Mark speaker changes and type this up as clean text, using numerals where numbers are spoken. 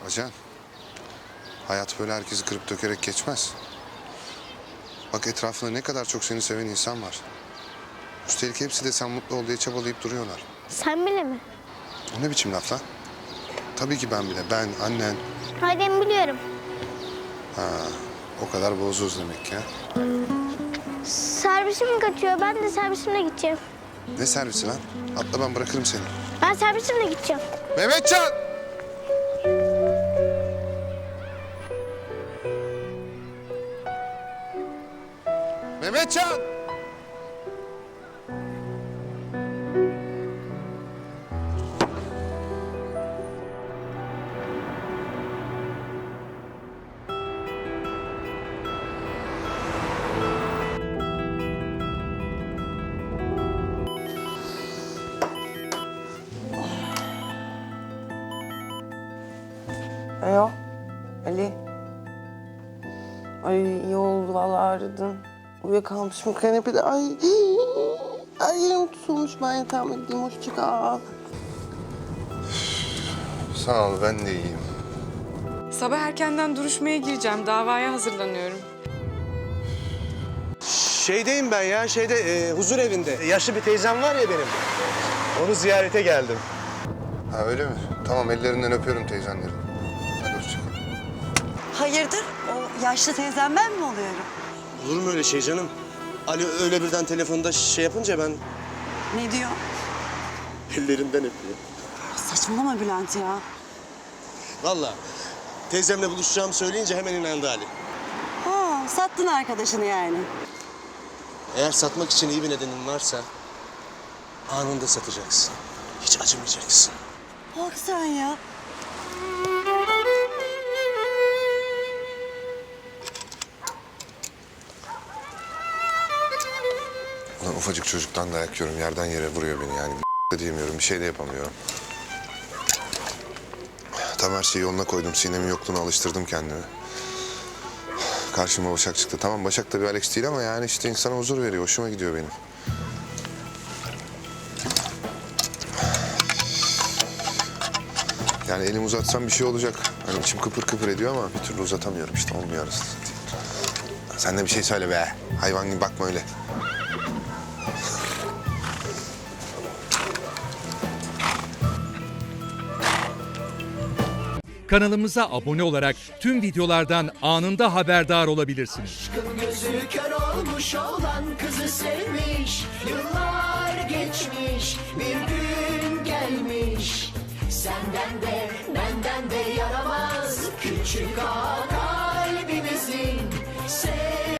Speaker 1: Ajan, hayat böyle herkesi kırıp dökerek geçmez. Bak etrafında ne kadar çok seni seven insan var. Üstelik hepsi de sen mutlu ol diye çabalayıp duruyorlar.
Speaker 2: Sen bile mi?
Speaker 1: O ne biçim laf lan? Tabii ki ben bile. Ben, annen.
Speaker 2: Hayır ben biliyorum.
Speaker 1: O kadar bozuz demek ya.
Speaker 2: Servisim kaçıyor. Ben de servisimle gideceğim.
Speaker 1: Ne servisi lan? Atla ben bırakırım seni.
Speaker 2: Ben servisimle gideceğim.
Speaker 1: Mehmetcan! Mehmetcan!
Speaker 3: Alo, Ali. Ay iyi oldu vallahi aradın. Uyuyakalmışım kanepede. Ay yerim tutulmuş. Ben yatağıma gideyim. Hoşça kal.
Speaker 1: Sağ ol, ben de iyiyim.
Speaker 4: Sabah erkenden duruşmaya gireceğim. Davaya hazırlanıyorum.
Speaker 5: Şeydeyim ben ya, huzur evinde. Yaşlı bir teyzem var ya benim. Onu ziyarete geldim.
Speaker 1: Ha öyle mi? Tamam, ellerinden öpüyorum teyzenlerin. Hadi hoşça kal.
Speaker 6: Hayırdır? O yaşlı teyzem ben mi oluyorum?
Speaker 5: Olur mu öyle şey canım? Ali öyle birden telefonda şey yapınca ben
Speaker 6: Ne diyor?
Speaker 5: ellerinden öpüyorum.
Speaker 6: Saçmalama Bülent ya.
Speaker 5: Vallahi teyzemle buluşacağımı söyleyince hemen inandı Ali.
Speaker 6: Ha, sattın arkadaşını yani.
Speaker 5: Eğer satmak için iyi bir nedenin varsa anında satacaksın. Hiç acımayacaksın.
Speaker 6: Bak sen ya.
Speaker 1: Ulan ufacık çocuktan dayak yiyorum. Yerden yere vuruyor beni yani. De diyemiyorum, bir şey de yapamıyorum. Tam her şeyi yoluna koydum. Sinem'in yokluğuna alıştırdım kendimi. Karşıma Başak çıktı. Tamam Başak da bir Alex değil ama yani işte insana huzur veriyor. Hoşuma gidiyor benim. Yani elimi uzatsam bir şey olacak. Hani içim kıpır kıpır ediyor ama bir türlü uzatamıyorum işte. Olmuyor arası. Sen de bir şey söyle be. Hayvan gibi bakma öyle.
Speaker 7: Kanalımıza abone olarak tüm videolardan anında haberdar olabilirsiniz.
Speaker 8: Aşkın gözü kör olmuş olan kızı sevmiş. Yıllar geçmiş, bir gün gelmiş. Senden de benden de yaramaz küçük ağa.